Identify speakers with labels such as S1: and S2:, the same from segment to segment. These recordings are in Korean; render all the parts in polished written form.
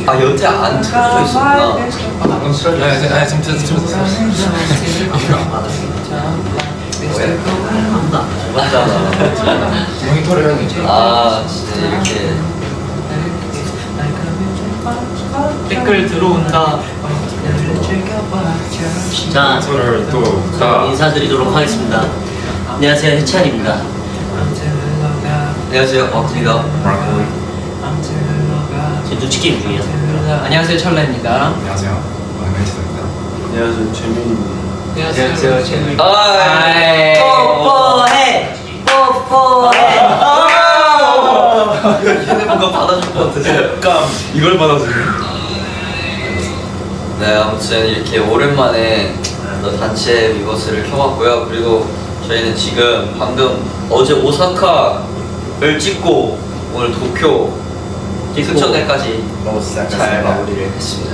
S1: 아 여태 안 틀어져 있었구나.
S2: 방금 틀어져 있어.
S3: 아니 지금 틀어졌어.
S1: 아무도 안 맞잖아.
S3: 모니터를 해야 되지.
S1: 아 진짜 이렇게
S2: 댓글 들어온다.
S4: 자,
S3: 서로를 또다
S4: 인사드리도록 하겠습니다. 안녕하세요, 해찬입니다.
S1: 안녕하세요 박입니다.
S4: 제 눈치 게임 중이에요.
S2: 안녕하세요, 철라입니다.
S3: 안녕하세요. 멘트입니다.
S1: 안녕하세요 재민입니다.
S2: 안녕하세요, 재민.
S1: 아이
S4: 뽀뽀해! 뽀뽀해!
S1: 얘네 뭔가 받아줄 것 같아.
S3: 약간 이걸 받아주네.
S1: 네 아무튼 이렇게 오랜만에 또 단체 위버스를 켜봤고요. 그리고 저희는 지금 방금 어제 오사카를 찍고 오늘 도쿄 승천대까지 잘 마무리를 했습니다.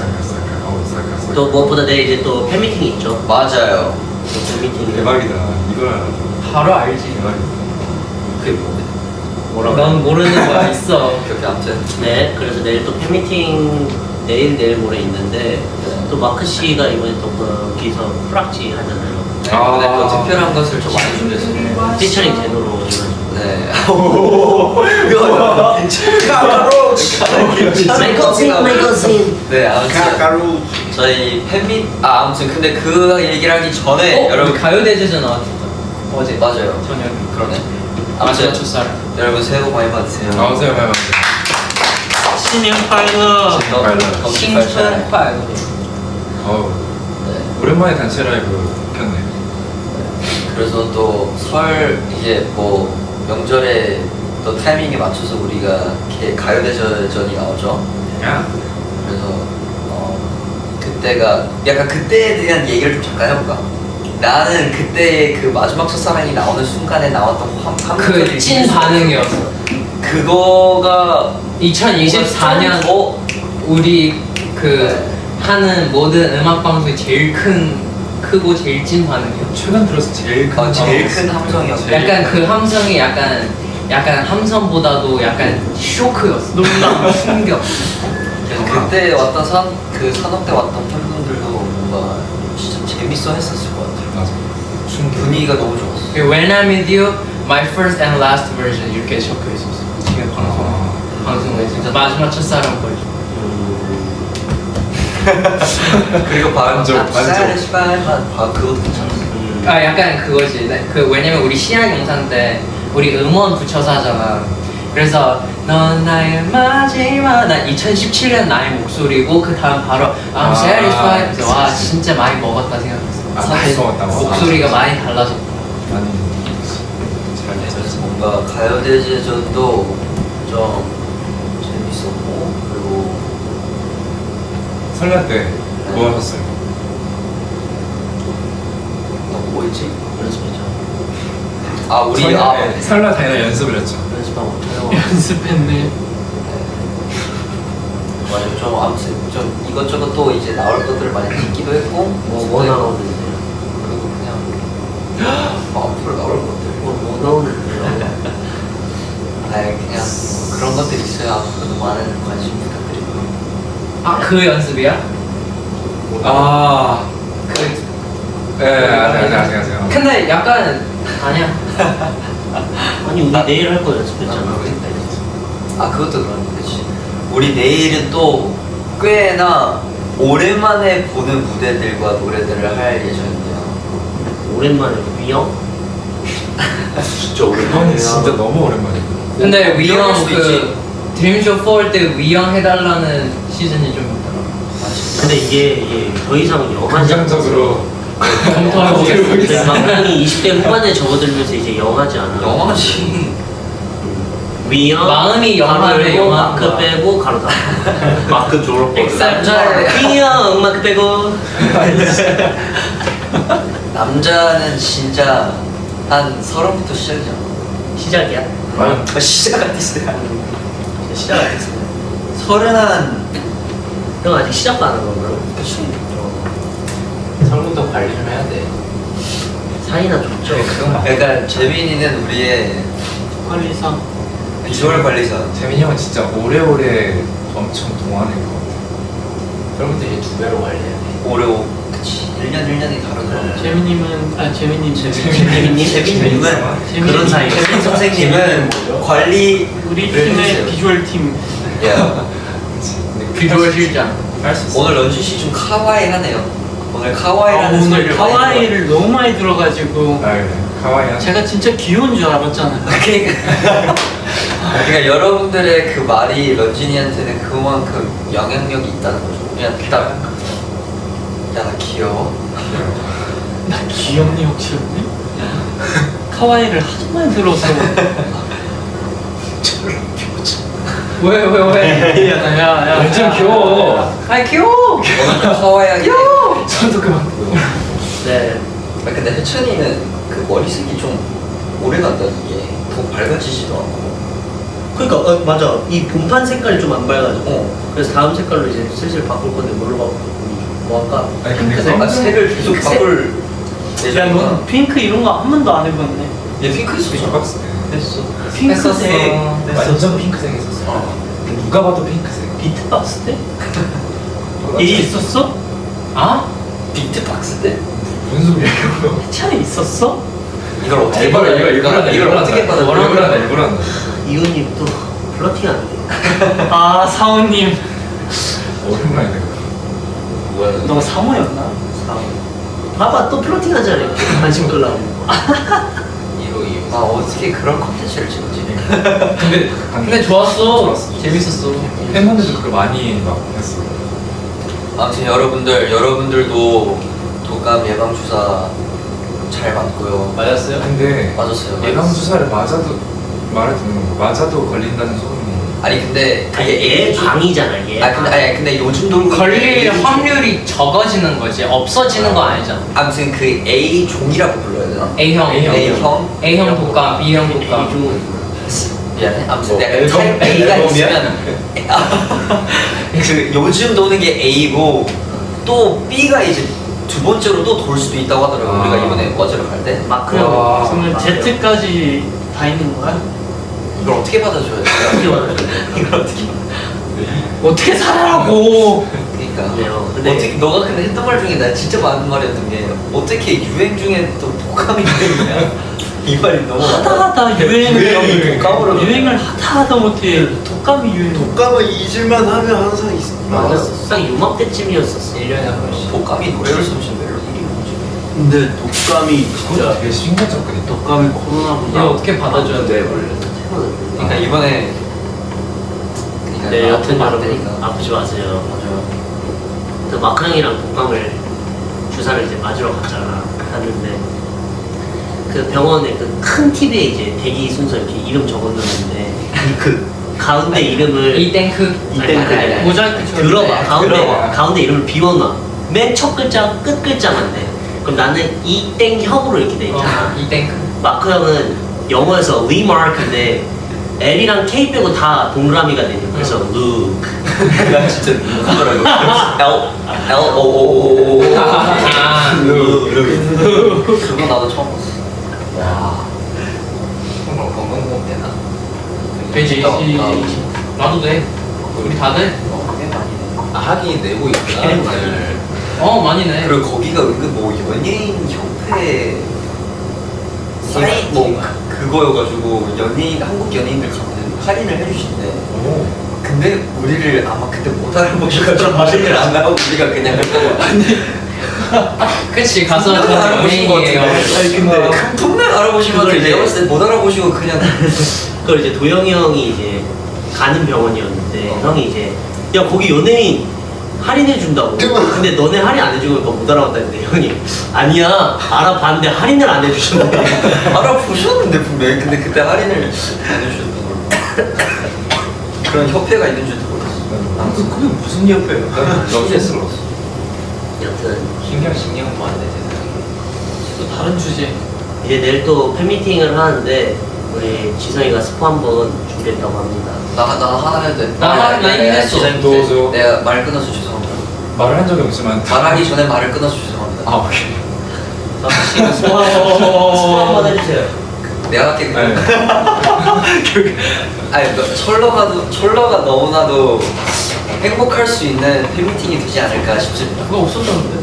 S4: 또 무엇보다 내일 이제 또 팬미팅이 있죠.
S1: 맞아요.
S4: 또 팬미팅.
S3: 대박이다. 이걸 알아.
S2: 바로 알지.
S3: 대박이다.
S1: 그게 뭔데?
S2: 넌 모르는 거야, 있어.
S1: 그렇게 아무튼
S4: 네, 그래서 내일 또 팬미팅 내일 모레 있는데 또 마크 씨가 이번에 또 거기서 프락지 하잖아요.
S1: 네, 이번에 또 특별한 것을 좀 많이 준비했어요.
S4: 피처링 제노로 해가지고.
S1: 네.
S4: 메이커신.
S1: 네 아무튼 저희 팬밋 아무튼 근데 그 얘기를 하기 전에 여러분
S2: 가요대제전 나왔었죠. 어제.
S1: 맞아요.
S2: 저녁에.
S1: 그러네.
S2: 아무튼
S1: 아무튼
S2: 첫사랑.
S1: 여러분 새해 복 많이 받으세요.
S3: 나오세요, 많이 받으세요.
S4: 신년 파이너.
S2: 신春快乐.
S3: 어우,
S1: 네.
S3: 오랜만에 단체 라이브 켰네.
S1: 그래서 또 설 이제 뭐 명절에 또 타이밍에 맞춰서 우리가 이렇게 가요대전이 나오죠.
S3: 야.
S1: 그래서 그때가 약간 그때에 대한 얘기를 좀 잠깐 해볼까? 나는 그때 그 마지막 첫사랑이 나오는 순간에 나왔던
S2: 그 찐 반응이었어.
S1: 그거가
S2: 2024년 우리 그 하는 모든 음악 방송이 제일 크고 제일 찐 반응이었어.
S3: 최근 들어서 제일 큰
S1: 제일 큰 함성이었어.
S2: 약간 그 함성이 약간 함성보다도 약간 쇼크였어. 놀람, 충격.
S1: 그때 왔던 그 산업 때 왔던 팬분들도 뭔가 진짜 재밌어 했었을 것 같아요.
S3: 맞아.
S1: 분위기가 너무 좋았어.
S2: When I'm with you, my first and last version 이렇게 적혀 있었어. 지금 방송에 진짜 마지막 첫사랑 버전.
S1: 그리고
S3: 만족.
S1: 그것도 괜찮았어.
S2: 아 약간 그거지. 그 왜냐면 우리 시안 영상 때 우리 음원 붙여서 하잖아. 그래서 넌 나의 마지막 나 2017년 나의 목소리고 그 다음 바로 I'm satisfied. 그래서 와 진짜 많이 먹었다 생각했어.
S3: 많이 먹었다고.
S2: 목소리가 많이 달라졌다.
S3: 많이
S1: 그래서 뭔가 가요대제전도 좀 재밌었고 그리고
S3: 설날 때 뭐 하셨어요?
S1: 뭐 있지?
S4: 연습했죠.
S1: 아 우리
S3: 설날 당일 연습을 했죠.
S4: 연습하고 촬영.
S2: 연습했네.
S1: 맞아요. 좀 아무튼 좀 이것저것 또 이제 나올 것들을 많이 찍기도 했고
S4: 뭐 나오는데요?
S1: 그리고 그냥 앞으로 나올 것들
S4: 뭐 나오는데요?
S1: 아예 그냥 뭐 그런 것들이 있어요. 앞으로도 많은 관심 부탁드리고요.
S2: 아 그 연습이야?
S3: 아,
S2: 그
S3: 네, 아직.
S2: 근데 약간 아니야.
S4: 아니 우리 내일 할 거 연습했잖아.
S1: 아 그것도 그런데 그치. 우리 내일은 또 꽤나 오랜만에 보는 무대들과 노래들을 할 예정이에요.
S4: 오랜만에 위영?
S1: 진짜
S3: 그건 진짜 너무 오랜만이야.
S2: 근데 위영
S1: 수도
S2: 그 드림쇼 4때 위영 해달라는 시즌이 좀 있더라.
S4: 근데 이게 더 이상 영화지 않아서
S3: 긍정적으로
S2: 검토해보겠습니다.
S4: 막강이 20대 후반에 접어들면서 이제 영화지 않아.
S1: 영화지.
S4: 위영
S2: 마음이 영화네, 영화.
S4: 마크 빼고 가로 다. 마크 졸업.
S1: 남자의
S4: 위영 마크 빼고.
S1: 남자는 진짜 한 30부터 시작이잖아.
S4: 시작이야.
S1: 시작 아티스트야.
S4: 시작 아니었어.
S1: 30한
S4: 형 아직 시작도 안 한 건가요?
S1: 그치.
S2: 성분도 관리 좀 해야 돼.
S4: 사이나 좋죠.
S1: 그러니까 재민이는 우리의
S2: 관리상.
S1: 비주얼 관리사.
S3: 재민이 형은 진짜 오래오래 엄청 동안일 것 같아.
S2: 그러면 이제 2배로 관리해야 돼.
S1: 오레오. 그치. 1년이 다르더라고.
S4: 재민님은 그런 사이. 재민 선생님은
S1: 관리.
S5: 우리
S1: 네,
S5: 팀의
S1: 해주세요.
S5: 비주얼 팀.
S1: 야.
S2: 비주얼 실장.
S3: 할수 있어.
S1: 오늘 런쥔 씨좀 카와이하네요. 오늘 카와이라는
S5: 오늘
S1: 소리를 많이
S5: 카와이를 너무 많이 들어가지고
S3: 아 그래. 카와이한.
S5: 제가 진짜 귀여운 줄 알았잖아요.
S1: 그러니까 여러분들의 그 말이 런쥔이한테는 그만큼 영향력이 있다는 거죠. 그냥 딱, 야, 나 귀여워.
S5: 나 귀엽니 혹시 언니? 카와이를 하도 많이 들어서.
S2: 왜?
S5: 야야.
S3: 완전 귀여워.
S2: 아 귀여워.
S1: 오늘 좀 카와이하게.
S3: 저도 그만.
S4: 네.
S1: 아, 근데 혜천이는 그 머리색이 좀 오래 간다, 이게. 더 밝아지지도 않고.
S4: 그러니까 맞아. 이 본판 색깔이 좀 안 밝아지고. 그래서 다음 색깔로 이제 슬슬 바꿀 건데 뭘로 바꿀까? 뭐 할까?
S3: 아니 근데
S4: 핑크색.
S1: 아, 색을 계속
S4: 핑크색?
S1: 바꿀
S5: 야,
S1: 예정이구나.
S5: 넌 핑크 이런 거 한 번도 안 해봤네.
S1: 얘 핑크
S3: 핑크
S1: 있었어.
S3: 박스.
S1: 했어.
S5: 핑크색.
S3: 완전 핑크색 있었어. 누가 봐도 핑크색.
S4: 비트박스 때?
S5: 얘 있었어?
S2: 아?
S1: 비트박스 때?
S3: 무슨 소리야 이거?
S5: 차에 있었어?
S1: 이걸 어떻게
S3: 이걸
S1: 받아야
S3: 이걸
S1: 될까? 이걸 어떻게 받아야
S3: 이걸
S1: 될까?
S3: 한다 이걸 한다.
S4: 이호님 또 플러팅 안 돼.
S5: 아 사원님.
S3: 오랜만이네.
S1: 뭐야?
S5: 너 사모였나?
S4: 봐봐 또 플러팅 하잖아. 이렇게 관심 끌라고.
S1: 아, 어떻게 그런 콘텐츠를 찍었지?
S2: 근데 좋았어. 재밌었어.
S3: 팬분들도 그걸 많이 막 했어.
S1: 아무튼 여러분들도 독감 예방 주사 잘 맞고요.
S2: 맞았어요?
S3: 근데
S1: 맞았어요.
S3: 예방 주사를 맞아도 말을 듣는 거 맞아도 걸린다는 소문이.
S1: 아니 근데
S4: 아니
S1: 그게
S4: 얘
S1: A 종.
S4: 방이잖아 얘.
S1: 근데 요즘 돌고 있는
S2: 걸릴
S1: A 종.
S2: 확률이 적어지는 거지. 없어지는 거 아니잖아.
S1: 아무튼 그 A 종이라고 불러야 되나?
S2: A형,
S1: A형?
S2: A형 독감, B형 독감.
S4: 이중은
S1: 미안해. 아무튼
S3: 뭐,
S1: 내가
S3: 앨범?
S1: 타입 A가
S3: 앨범이야?
S1: 있으면 그 요즘 도는 게 A고 또 B가 이제 두 번째로 또 돌 수도 있다고 하더라고.
S3: 아.
S1: 우리가 이번에 어제로 갈 때.
S4: 마크
S3: 와.
S4: 형.
S5: 그러면 Z까지 다 있는 거야?
S1: 이걸 어떻게 받아줘야 돼?
S4: 어떻게 받아줘야 돼?
S1: 이걸 어떻게?
S5: 어떻게 살아라고?
S1: 그러니까.
S4: 그래요. 근데
S1: 어떻게 너가 근데 했던 말 중에 나 진짜 많은 말이었던 게 어떻게 유행 중에 또 독감이 유행이냐? 이 말이 너무
S5: 하다
S1: 유행이
S5: 유행을
S1: 독감으로
S5: 유행을 하다 못해 독감이 유행.
S6: 독감은 잊을만 하면 항상
S4: 맞았어. 딱 요맘때쯤이었었어.
S2: 1년에 한 번씩.
S1: 독감이 노래를 쓰면 멜로디이 뭐지?
S6: 근데 독감이
S3: 그것도
S6: 진짜
S3: 되게 신기했거든.
S6: 독감이
S2: 이거
S6: 코로나보다
S2: 어떻게 받아줘야 돼 원래?
S1: 그러니까 이번에
S4: 네, 여튼
S1: 아프면 안
S4: 여러분
S1: 되니까.
S4: 아프지 마세요.
S1: 맞아요.
S4: 그 마크 형이랑 독감을 주사를 이제 맞으러 갔는데 그 병원에 그 큰 TV에 이제 대기 순서 이렇게 이름 적어놓는데 그 가운데 이름을
S2: 이땡크.
S4: 이땡크.
S5: 모자이크처럼.
S4: 들어봐 가운데
S1: 들어봐.
S4: 가운데 이름을 비워놔. 맨 첫 글자 끝 글자만 돼. 그럼 나는 이땡형으로 이렇게 돼 있잖아.
S2: 이땡크.
S4: 마크 형은 영어에서 리마크인데 L이랑 K 빼고 다 동그라미가 되죠. 그래서 루크.
S1: 나 진짜 누구더라고. L O O O.
S2: 아.
S1: 그거 나도 처음 봤어. 와. 정말 건강보험 되나?
S2: 되지. 나도 돼. 우리 다 돼.
S1: 꽤 많이 돼.
S6: 아, 하긴 내고 있구나.
S1: 꽤 많이 돼.
S2: 많이 내.
S1: 그리고 거기가 은근 뭐 연예인 협회 사인 뭐 그거여가지고 연예인 한국 연예인들 가면 할인을 해주신대. 근데 우리를 아마 그때 못 알아보셔가지고 할인을 안 하고 우리가 그냥
S2: 그치 가서
S1: 분명 알아보신 것 같은데.
S2: 연예인이에요.
S6: 아니 근데
S1: 분명 알아보신 것 같은데 내가 봤을 때 못 알아보시고 그냥
S4: 그걸 이제 도영이 형이 이제 가는 병원이었는데 형이 이제 야 거기 연예인 할인해 준다고. 근데 너네 할인 안 해주고 못 알아봤다는데 형이 아니야 알아봤는데 할인을 안 해주셨는데.
S1: 알아보셨는데 분명히 근데 그때 할인을 안 해주셨던 걸로. 그런 협회가 있는 줄도 몰랐어.
S6: 아무튼 그게 무슨 협회야?
S3: 너무 스러웠어.
S4: 여튼
S2: 신경도 안 돼.
S5: 또 다른 주제.
S4: 이제 내일 또 팬미팅을 하는데 우리 지성이가 스포 한번 준비했다고 합니다.
S1: 나 하나 해도 돼.
S2: 나 이미 했어.
S3: 도와줘.
S1: 내가 말 끊어서 죄송합니다.
S3: 말을 한 적이 없지만.
S1: 말하기 전에 말을 끊어서 죄송합니다.
S3: 아 오케이.
S4: 스포 한번 해주세요.
S1: 내가 할게 그냥.
S3: 네.
S1: 아니 철러가 너무나도 행복할 수 있는 팬미팅이 되지 않을까 싶습니다.
S5: 그거 없었다는데.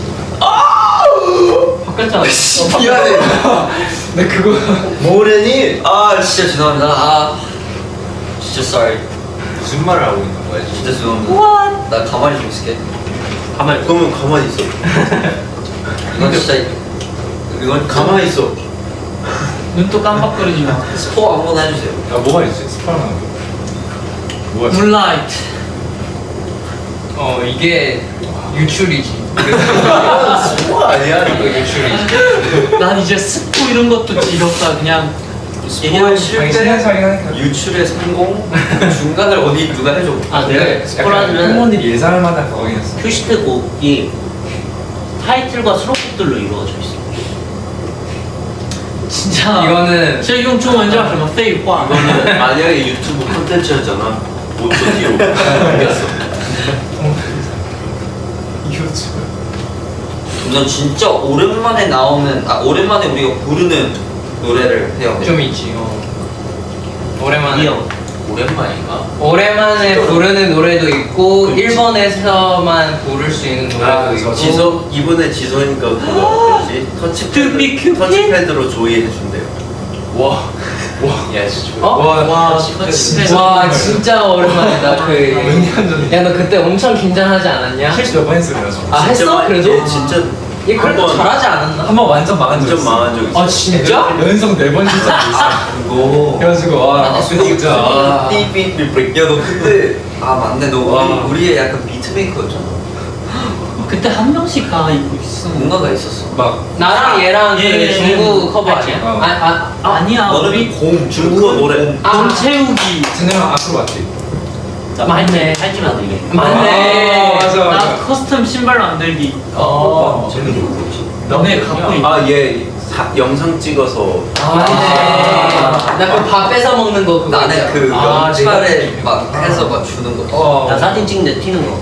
S5: 바꿨잖아.
S1: 미안해.
S3: 근데 그거
S6: 모래니
S1: 아 진짜 죄송합니다. 아 진짜 sorry.
S6: 무슨 말을 하고 있는 거야 지금?
S1: 진짜 죄송합니다. 나 가만히 좀 있을게.
S4: 가만히
S6: 그러면 가만히 있어.
S1: 이건 진짜 이건
S6: 가만히 있어.
S5: 눈도 깜빡거리지 마.
S1: 스포 아무거나 해주세요.
S3: 야 뭐가 있지? 스파르만 거. 뭐가 있지?
S5: 문라이트.
S2: 이게 유출이지.
S6: 스포 아니야
S2: 이거
S6: 이거.
S2: 유출이지.
S5: 난 이제 스포 이런 것도 지겹다. 그냥
S1: 스포의
S3: 아니
S1: 실패,
S3: 신의 차이 하니까.
S1: 유출의 성공, 그 중간을 어디 누가 해줘?
S4: 아 내가 스포라는
S3: 팬분들이 예상할 만한 거긴
S4: 큐시트 곡이 타이틀과 수록곡들로 이루어져 있어.
S5: 진짜
S2: 이거는
S5: 这用中文叫什么废话
S6: 이거는 만약에 유튜브 콘텐츠였잖아. 5초 뒤로 바뀌었어.
S3: 이거지.
S1: 난 진짜 오랜만에 오랜만에 우리가 부르는 노래를 해요.
S2: 좀 있지. 오랜만에.
S4: 이 형.
S6: 오랜만인가?
S2: 오랜만에 부르는 노래도 있고 일본에서만 부를 수 있는 노래도 있고.
S6: 이번에 지선이가 그거 뭐지? 터치패드로 조이해준대요.
S3: 와.
S6: 야 진짜.
S5: 와 진짜
S2: 와 진짜 오랜만이다.
S3: 몇년 전에.
S2: 야 너 그때 엄청 긴장하지 않았냐?
S3: 실수 몇 번 했어 그래서.
S2: 아 했어? 그래도?
S6: 얘 진짜
S2: 얘 그래도
S6: 한번
S2: 잘하지 않았나?
S3: 한 번 완전 망한 적
S6: 완전
S3: 있어.
S6: 망한 적 있어.
S2: 아 진짜?
S3: 연속 4번 실수한 적 있어.
S6: 그거.
S3: 그래가지고 와 진짜. 아.
S1: 야너 그때 맞네 너
S3: 와.
S1: 우리의 약간 비트메이커였잖아.
S5: 그때 한 명씩 다 입고 있어.
S1: 뭔가가 있었어.
S3: 막
S2: 나랑 얘랑 그
S5: 예,
S2: 중국 커버
S5: 알지?
S2: 아니야?
S5: 아니야
S1: 너는
S5: 우리
S1: 공
S6: 중국어 노래.
S5: 돈 채우기.
S3: 쟤네랑 앞으로 왔지.
S2: 맞네.
S4: 할지만 되게.
S2: 맞네.
S3: 아, 맞아
S5: 나
S3: 맞아.
S5: 커스텀 신발 만들기.
S1: 쟤는 누구지?
S5: 너네 갖고 있.
S6: 아얘 영상 찍어서.
S2: 맞네. 나 그 밥 뺏어 먹는 거 그거
S1: 나는
S2: 있잖아.
S1: 그
S5: 아,
S1: 연말에 막 해서 막 주는 거.
S4: 나 사진 찍는데 튀는 거.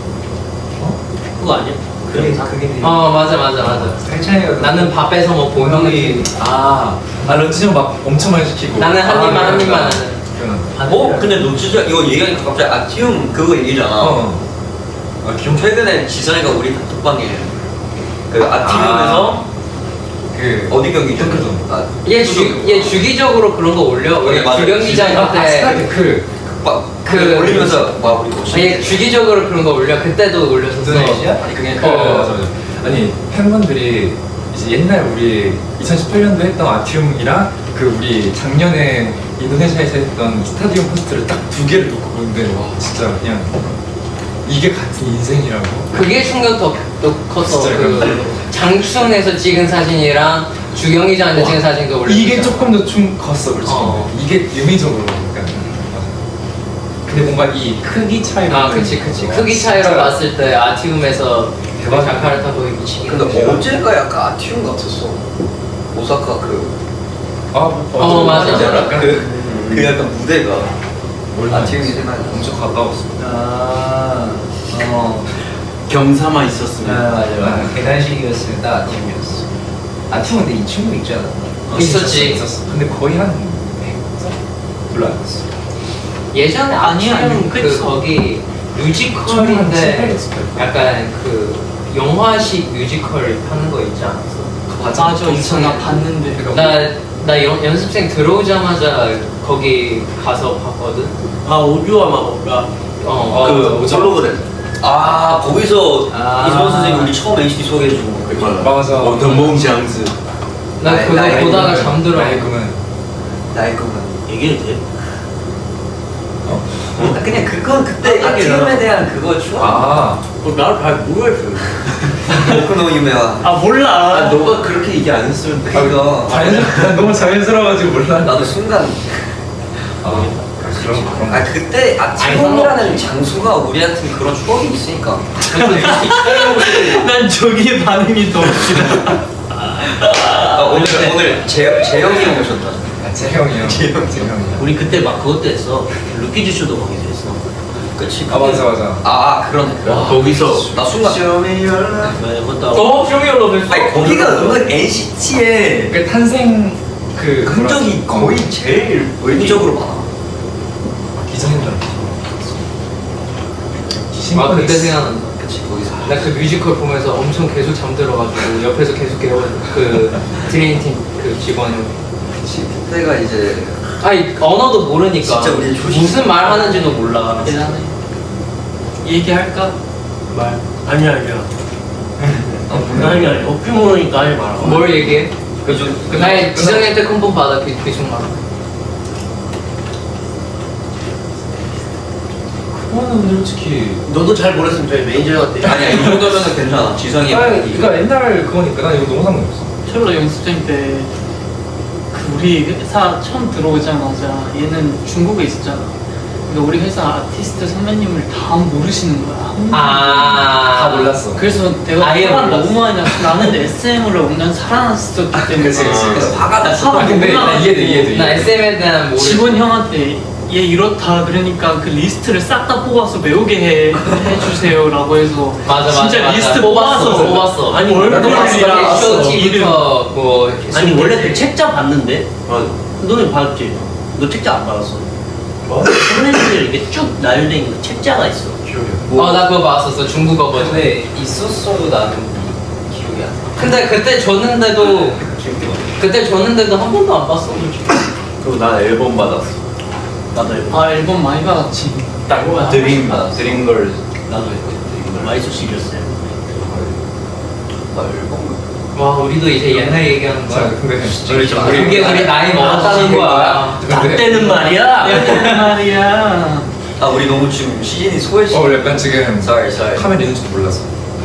S4: 그거 아니야? 그 영상?
S2: 맞아.
S3: 괜찮아요.
S2: 나는 밥 뺏어 먹고 형이
S3: 런치 형막 엄청 많이 시키고.
S2: 나는 한 입만 한 입만 하는.
S1: 근데 너 진짜 이거 얘기하니까 갑자기 아티움 그거 얘기잖아.
S3: 아 기억.
S1: 최근에 지선이가 우리 단톡방에 그 아티움에서
S3: 그
S1: 어디 경기죠?
S3: 덩크전.
S2: 얘 주기적으로 그런 거 올려. 우리
S1: 맞아.
S2: 주경기장 때.
S3: 스타테크.
S1: 그 올리면서 막 우리
S2: 얘 주기적으로 그런 거 올려. 그때도 올렸었어.
S1: 아니 그게
S3: 맞아 맞아. 아니 팬분들이 이제 옛날 우리 2018년도 했던 아티움이랑 그 우리 작년에 인도네시아에서 했던 스타디움 포스트를 딱 2개를 놓고 보는데 와 진짜 그냥 이게 같은 인생이라고.
S2: 그게 충격 더 컸어.
S3: 진짜
S2: 그 장충에서 찍은 사진이랑 주경기장에서 찍은 사진도 올렸어.
S3: 이게 조금 더 좀 컸어 그렇지. 이게 의미적으로 그러니까. 맞아. 근데 뭔가 이 크기 차이로.
S2: 그치. 크기 차이로 봤을 때 아티움에서
S3: 대박.
S2: 자카르타 거기 미치게.
S1: 근데 어제가 약간 아티움 같았어. 오사카
S2: 맞아.
S3: 약간
S1: 그 약간 무대가 아티움이 생각나.
S3: 엄청 가까웠어.
S6: 경사만 있었으면.
S3: 맞아.
S7: 계단식이었으면 딱 아팀이었어. 아팀 근데 이 친구 있지 않았나?
S2: 있었지.
S3: 있었어. 근데 거의 한 100점? 별로 안 됐어.
S2: 예전에
S5: 아니야,
S2: 아티움 그
S5: 그치.
S2: 거기 뮤지컬인데 약간 그 영화식 뮤지컬 하는 거 있지 않았어?
S5: 맞아 있어 나 봤는데.
S2: 나 연습생 들어오자마자 거기 가서 봤거든.
S4: 오류와 마법가.
S1: 그 홀로그램. 거기서 이선 선생님 우리 처음 NCT 소개해주고
S3: 맞아.
S6: 원더몽장즈.
S2: 나 그거
S1: 나의
S2: 보다가
S1: 꿈은-
S2: 잠들어.
S3: 나의 꿈은
S1: 나의 꿈은.
S4: 얘기해도 돼?
S1: 그냥 그건 그때 아티움에 대한 그거 추억.
S4: 나를 잘 모르겠어요.
S1: 오크노 유메와.
S5: 몰라.
S6: 너가 그렇게 얘기 안 했으면 돼.
S1: 그거
S3: 난 너무 자연스러워가지고 몰라.
S1: 나도 순간.
S3: 그런
S1: 그때 아티움이라는 장소가 우리한테 그런 추억이 있으니까.
S5: 난 저기의 반응이 더 웃기다.
S1: 오늘 재영이 형 오셨다.
S3: 재형이요. 재형이야.
S4: 우리 그때 막 그것도 했어. 루키즈 쇼도 거기서 했어.
S1: 그치.
S3: 맞아.
S1: 그러네.
S6: 거기서
S1: 나 순간.
S4: 그것도 하고.
S2: 쇼미얼로
S1: 아니 거기가 은근 NCT의
S3: 그 탄생 그
S1: 흔적이 거의 제일 외적으로 많아.
S3: 기자님들.
S2: 아 그때 생각난다.
S1: 그치 거기서.
S2: 나 그 뮤지컬 보면서 엄청 계속 잠들어가지고 옆에서 계속 깨워 그 드림팀 그 직원이.
S1: 그치 그때가 이제
S2: 아니 언어도 모르니까
S1: 진짜 우리 조심-
S2: 무슨 말 하는지도 몰라.
S5: 대단해. 얘기할까?
S2: 말.
S4: 아니야 아니야 어필 모르니까 하지 마라.
S2: 뭘 얘기해?
S1: 요즘
S2: 나의 지성이한테 큰돈 받아 그 순간.
S3: 그거는 솔직히.
S4: 너도 잘 모르겠으면 저희 매니저한테.
S1: 아니야 이 정도면은 괜찮아. 지성이.
S3: 그러니까 옛날 그거니까 난 이거 너무 상관없어.
S5: 첼로 연습생 때 그 우리 회사 처음 들어오자마자 얘는 중국에 있었잖아. 근데 우리 회사 아티스트 선배님을 다 모르시는 거야.
S3: 다 몰랐어.
S5: 그래서 내가
S2: 아예
S5: 화가
S2: 몰랐어.
S5: 너무 많이 났어. 나는 SM으로 5년 살아났었기 때문에
S3: 그치.
S1: 그래서 화가 났어.
S5: 화가
S3: 근데
S5: 너무
S3: 나
S5: 나.
S3: 이해돼.
S2: 나 SM에 대한 모르.
S5: 직원 형한테 얘 이렇다 그러니까 그 리스트를 싹 다 뽑아서 외우게 해주세요라고 해서
S2: 맞아
S5: 진짜
S2: 맞아.
S5: 리스트
S2: 뽑았어.
S5: 뽑아서
S4: 아니
S3: 나도 봤어.
S2: 쇼티부터 뭐.
S4: 아니 원래 그 책자 봤는데. 너는 봤지? 너 책자 안 받았어?
S3: 뭐?
S4: 선생님들 이렇게 쭉 나열돼 있는 그 책자가 있어.
S2: 나 그거 봤었어 중국어 버전.
S1: 근데 있었어도 나는 기억이 안 나.
S2: 근데 그때 줬는데도 그때 줬는데도 한 번도 안 봤어.
S6: 그리고 난 앨범 받았어.
S4: 나도 앨범.
S5: 아 앨범 많이 받았지.
S6: 드림 드림걸 나도 했거든. 드림걸.
S4: 마이소 시리였어요.
S1: 나 앨범.
S2: 와 우리도 이제 옛날 얘기하는
S3: 자,
S2: 거야.
S3: 근데
S2: 그게 우리 나이 먹었다는 거야.
S4: 나 때는 말이야.
S5: 말이야.
S1: 아 우리 너무 지금 시즌이 소외시.
S3: 약간 지금
S1: sorry.
S3: 카메라 있는지도 몰랐어.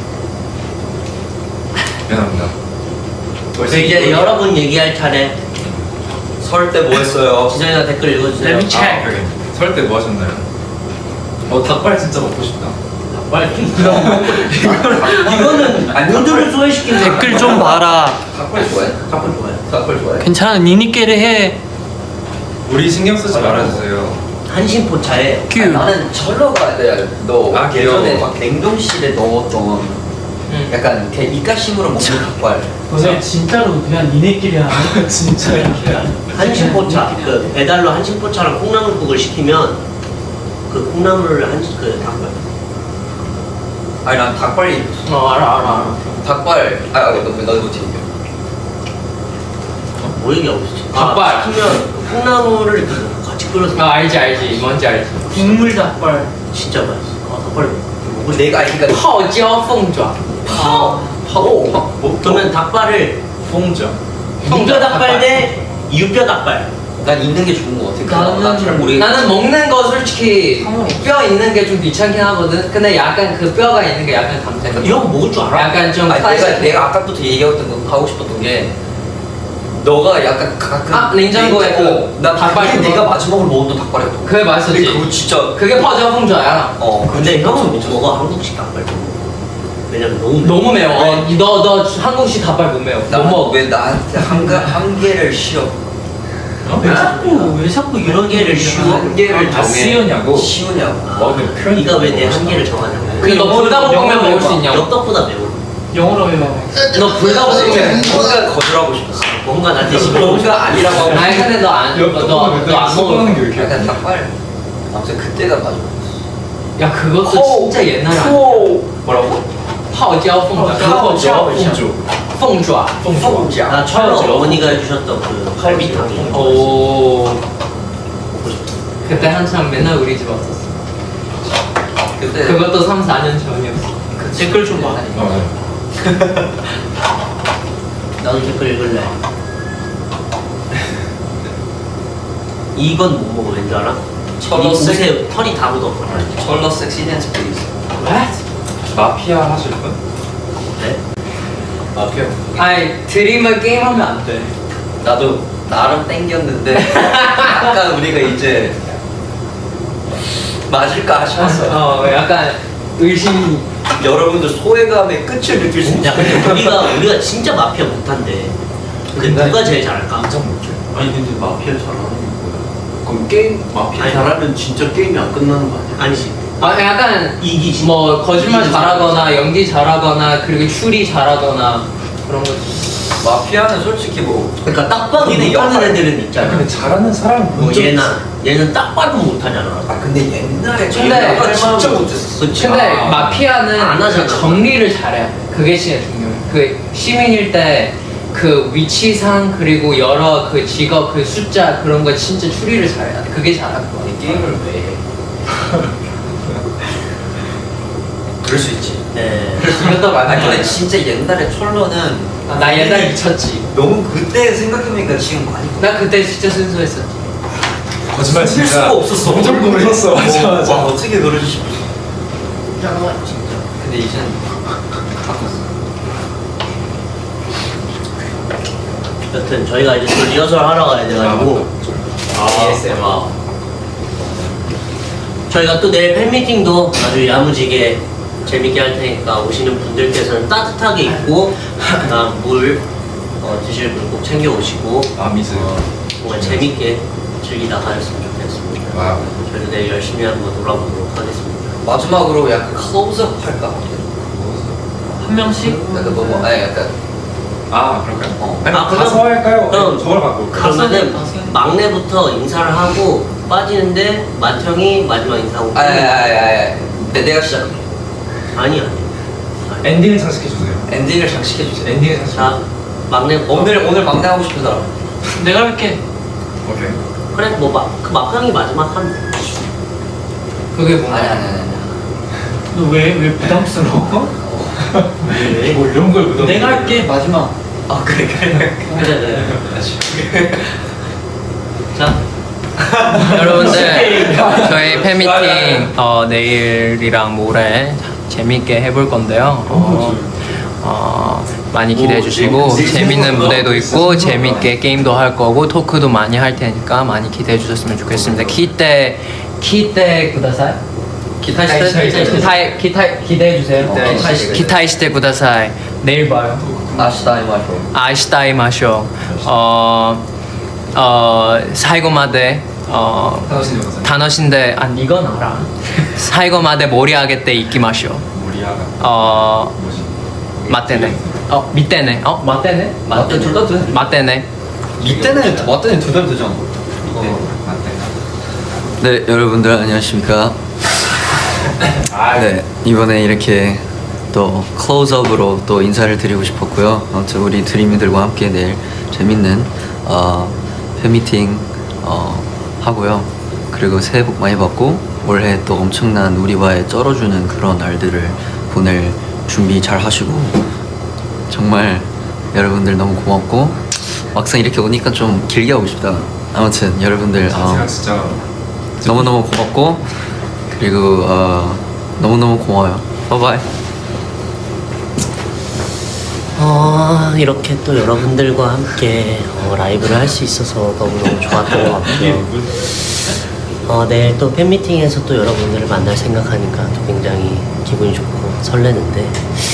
S3: 미안합니다.
S4: 이제 여러분 얘기할 차례.
S1: 설 때 뭐 했어요?
S4: 지성이가 댓글 읽어주세요.
S5: Let me check.
S3: 설 때 뭐 하셨나요? 닭발 진짜 먹고 싶다.
S4: 빨리. 이거는 모두를 소외시킨
S5: 댓글 좀 봐라.
S1: 닭발 좋아해?
S4: 닭발 좋아해.
S1: 닭발 좋아해?
S5: 괜찮아 니니께를 해.
S3: 우리 신경 쓰지 말아주세요.
S4: 한신포차에
S5: 큐.
S1: 나는 철러가 너
S3: 아, 귀여워.
S1: 예전에 막 냉동실에 넣었던 약간 그냥 입가심으로 먹는 닭발.
S5: 너네 진짜로 그냥 니네끼리 하는 진짜 이렇게 하는.
S4: 한신포차 그 배달로 한신포차랑 콩나물국을 시키면 그 콩나물을 그 닭발.
S1: 아니 난 닭발이
S2: 알아.
S1: 닭발 나도 못해.
S4: 뭐 얘기하고 있지?
S2: 닭발.
S4: 시키면 콩나물을 이렇게 같이 끓여서
S2: 알지 뭔지 알지.
S5: 국물 닭발.
S4: 진짜 맛있어. 닭발.
S1: 뭐 내가 알기가
S2: 泡椒凤爪.
S1: 뭐?
S4: 그러면 닭발을
S3: 퐁죠.
S4: 무뼈 닭발 대 유뼈 닭발.
S1: 난 있는 게 좋은 거 같아. 난잘 모르겠어.
S2: 나는 먹는 거 솔직히 뼈 있는 게 좀 귀찮긴 하거든. 근데 약간 그 뼈가 있는 게 약간 감태.
S4: 이런 거 먹을 줄 알아?
S2: 약간 좀
S1: 아니,
S2: 클래식.
S1: 내가 아까부터 얘기했던 거 하고 싶었던 게 너가 약간 가끔
S2: 냉장고에 그
S1: 나
S2: 닭발
S1: 닭발
S2: 그거?
S1: 내가 마지막으로 먹었던 닭발이었던
S2: 그게 맛있었지.
S1: 근데 그거 진짜
S2: 그게 퍼져 풍자야.
S4: 근데 형은 못 먹어 한국식 닭발. 왜냐면 너무
S2: 너무 매워. 너 한국식 닭발 못 매워. 못 먹어.
S1: 왜 나한테 한계를 씌워?
S4: 왜 자꾸 이런 개를 쉬워?
S1: 한계를
S3: 아, 씌우냐고?
S1: 씌우냐고.
S3: 근데 표현이
S4: 네가 왜 내 한계를 정하냐고.
S2: 너 불닭볶음면 먹을 수 있냐고.
S4: 엽떡보다 매워.
S5: 영어로 해봐.
S2: 너 불닭볶음면.
S1: 뭔가 거절하고 싶었어.
S4: 뭔가 나한테 시끄러워.
S1: 뭔가 아니라고 하고
S2: 아니 근데 너안
S3: 엽떡은
S2: 너안
S3: 씹어먹는 게
S2: 먹어.
S3: 왜 이렇게
S1: 약간 닭발. 아무튼 그때가 맞아.
S2: 야 그것도 진짜 옛날 아니야.
S1: 뭐라고?
S2: 泡椒凤爪.
S3: 퐁죠.
S2: 凤爪.
S1: 凤甲.
S4: 나 처음에 어머니가 해주셨던 그 갈비탕이.
S2: 오. 그때 한참 맨날 우리 집 왔었어.
S1: 그때
S2: 그것도 3, 4년 전이었어.
S5: 댓글 좀 봐.
S4: 나도 댓글 읽을래. 이건 못 먹어. 왠줄 알아?
S1: 철로
S4: 이 옷에 털이 다 묻어.
S1: 철러 섹시 댄스 플리즈.
S2: What?
S3: 마피아 하실 분?
S4: 네?
S1: 마피아.
S2: 아니 드림을 게임하면 안 돼.
S1: 나도 나름 땡겼는데 약간 우리가 이제 맞을까 싶었어.
S2: 약간 의심이.
S1: 여러분들 소외감의 끝을 느낄 수 있어.
S4: 야 근데 우리가 진짜 마피아 못한대. 근데 누가 제일 잘할까?
S3: 인정 못해.
S6: 아니 근데 마피아 잘하는 게 뭐야? 그럼 게임 마피아
S4: 아니,
S6: 잘하면 진짜 게임이 안 끝나는 거 아니야?
S4: 아니지.
S2: 약간
S4: 이기지.
S2: 뭐 거짓말
S4: 이기지.
S2: 잘하거나 연기 잘하거나 그리고 추리 잘하거나 그런 거.
S1: 마피아는 솔직히 뭐
S4: 그러니까 딱 봐도
S1: 본인의
S4: 못하는
S1: 역할.
S4: 애들은 있잖아.
S3: 근데 잘하는 사람
S4: 뭐 얘는 딱 봐도 못하잖아.
S1: 아 근데 옛날에
S2: 근데
S1: 마피아가 진짜 못했어.
S4: 그치.
S2: 근데
S3: 아.
S2: 마피아는
S4: 안 하잖아.
S2: 그 정리를 잘해야 돼. 그게 진짜 중요해. 그 시민일 때 그 위치상 그리고 여러 그 직업 그 숫자 그런 거 진짜 추리를 잘해야 돼. 그게 잘하는 거야.
S1: 게임을 왜 해? 그럴 수 있지.
S4: 네.
S2: 이것도
S1: 아니
S2: 맞는
S1: 근데
S2: 거야.
S1: 진짜 옛날에 철로는
S2: 나 옛날에 미쳤지.
S1: 너무 그때 생각해보니까 지금 많이
S2: 나 그때 진짜 순수했었지.
S3: 거짓말
S1: 쓸
S3: 진짜
S1: 수가 없었어.
S3: 엄청 고민했어. 맞아
S1: 와,
S3: 맞아.
S1: 어떻게 그러지 싶었어. 진짜. 근데 이젠 바꿨어.
S4: 여튼 저희가 이제 또 리허설 하러 가야 돼가지고
S1: ASMR.
S4: 저희가 또 내일 팬미팅도 아주 야무지게 재밌게 할 테니까 오시는 분들께서는 따뜻하게 입고 그다음 물 드실 물 꼭 챙겨 오시고
S3: 아 미스.
S4: 정말 재밌게 즐기다 가셨으면 좋겠습니다.
S3: 와우.
S4: 저희도 내일 열심히 한번 놀아보도록 하겠습니다.
S1: 마지막으로 약간 클로즈업 할까?
S5: 한 명씩?
S1: 약간 너무 아니 약간
S3: 아 그럴까요? 아니
S4: 아,
S3: 가서
S4: 그럼-
S3: 할까요?
S4: 그럼-
S3: 저걸 바꿀까요?
S4: 그러면은
S5: 가세요.
S4: 막내부터 인사를 하고 빠지는데 맏형이 마지막 인사하고
S1: 아야야야야. 내가 시작할게.
S4: 아니야.
S3: 엔딩을 장식해 주세요.
S1: 엔딩을 장식해 주세요.
S3: 엔딩을 장식.
S4: 자 막내
S1: 오늘 막내 하고 싶은 사람.
S5: 내가 할게.
S3: 오케이.
S4: 그래 그 막형이 마지막 하면 돼.
S2: 그게 뭐야?
S1: 아니.
S5: 너 왜 부담스러워?
S4: 왜?
S3: 뭐 이런 걸 묻어.
S5: 내가 할게 마지막.
S1: 아 그래.
S4: 그래. 자
S2: 여러분들 저희 팬미팅 내일이랑 모레 재밌게 해볼 건데요. 많이 기대해 주시고 재밌는 무대도 있고 재밌게 게임도 할 거고 토크도 많이 할 테니까 많이 기대해 주셨으면 좋겠습니다. 기대 구다사이? 기대해 주세요. 기타이시대 구다사이. 내일 봐요.
S1: 아시다이 마쇼.
S2: 아시다이 마쇼. 사이고마데
S3: 하나씩 영상.
S2: 단어신데 이건 알아. 사이고마데 모리하게 때 있기 마쇼.
S3: 모리아가 뭐지?
S2: 맞대네. 밑대네. 맞대네.
S1: 맞대 둘다 돼.
S2: 맞대네.
S1: 이때는 맞더니 두 달 되잖아.
S3: 맞대.
S8: 네, 여러분들 안녕하십니까? 네, 이번에 이렇게 또 클로즈업으로 또 인사를 드리고 싶었고요. 아무튼 우리 드림이들과 함께 내일 재밌는 팬미팅 하고요. 그리고 새해 복 많이 받고 올해 또 엄청난 우리와의 쩔어주는 그런 날들을 보낼 준비 잘 하시고 정말 여러분들 너무 고맙고 막상 이렇게 오니까 좀 길게 하고 싶다. 아무튼 여러분들
S3: 제가 진짜
S8: 너무너무 고맙고 그리고 너무너무 고마워요. 바이바이.
S4: 이렇게 또 여러분들과 함께 라이브를 할 수 있어서 너무너무 좋았던 것 같고요. 내일 또 팬미팅에서 또 여러분들을 만날 생각하니까 또 굉장히 기분이 좋고 설레는데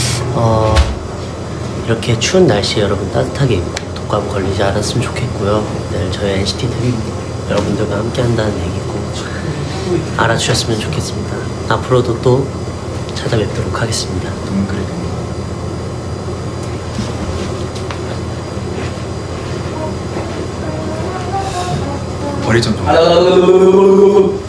S4: 이렇게 추운 날씨에 여러분 따뜻하게 입고 독감 걸리지 않았으면 좋겠고요. 내일 저희 NCT 드림 여러분들과 함께 한다는 얘기 꼭 알아주셨으면 좋겠습니다. 앞으로도 또 찾아뵙도록 하겠습니다.
S3: 머리 좀 여러분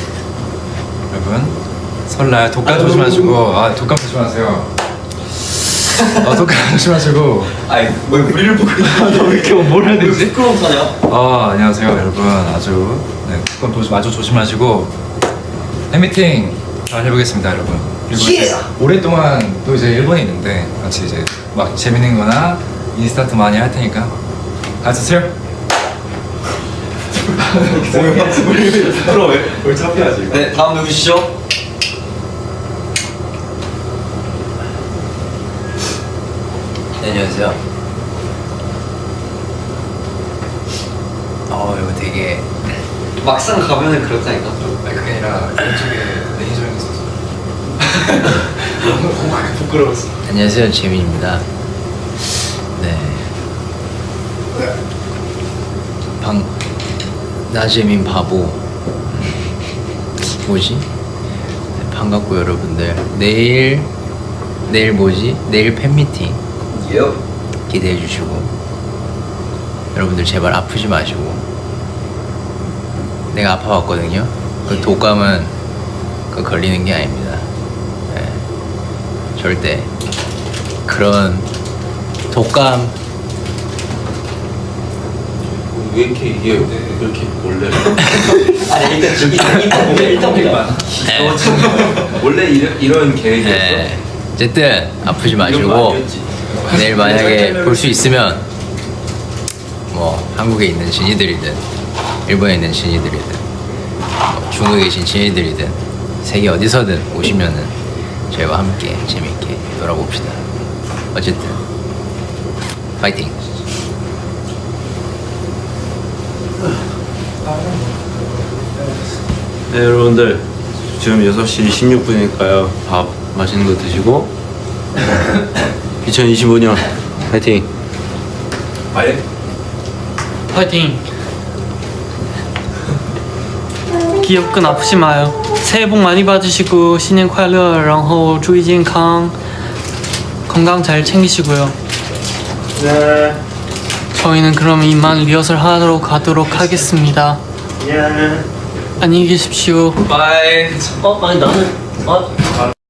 S3: 설날 독감 조심하시고 독감 조심하세요. 독감 조심하시고.
S1: 아니 왜 우리를 보고 있는
S3: 왜 이렇게 뭘 해야 되지?
S1: 부끄러운 거냐?
S3: 안녕하세요 여러분. 아주 독감 아주 조심하시고 팬미팅 잘 해보겠습니다 여러분. 그리고 이제 오랫동안 또 이제 일본에 있는데 같이 이제 막 재밌는 거나 인스타트 많이 할 테니까 같이 쓰세요.
S1: 부끄러워 왜? 뭘 잡혀야지. 네 다음 누구시죠?
S7: 네, 안녕하세요. 이거 되게
S1: 막상 가면은 그렇다니까.
S3: 아니 그게 아니라 이쪽에 매니저 형이 있어서 너무 부끄러웠어.
S7: 안녕하세요, 재민입니다. 네. 나재민 바보. 뭐지? 네, 반갑고 여러분들. 내일 뭐지? 내일 팬미팅
S1: 예요.
S7: 기대해 주시고 여러분들 제발 아프지 마시고. 내가 아파봤거든요. 그 독감은 그 걸리는 게 아닙니다. 네. 절대 그런 독감
S6: 왜 이렇게 이게 이렇게 원래
S1: 아니 일단 보자.
S7: 네.
S6: 원래 이런 계획이었어?
S7: 네. 어쨌든 아프지
S6: 이런 거
S7: 마시고
S6: 아니었지?
S7: 내일 만약에 볼 수 있으면 뭐 한국에 있는 신이들이든 일본에 있는 신이들이든 뭐 중국에 계신 신이들이든 세계 어디서든 오시면은 저희와 함께 재밌게 놀아봅시다. 어쨌든 파이팅.
S6: 네 여러분들 지금 6시 16분이니까요 밥 맛있는 거 드시고 2025년 파이팅.
S3: 아예?
S5: 파이팅. 기억은 아프지 마요. 새해 복 많이 받으시고 신년 快乐，然后注意健康， 건강 잘 챙기시고요.
S6: 네.
S5: 저희는 그럼 이만 리허설 하러 가도록 하겠습니다. 안녕히 계십시오.
S3: 바이.
S4: 아니 나는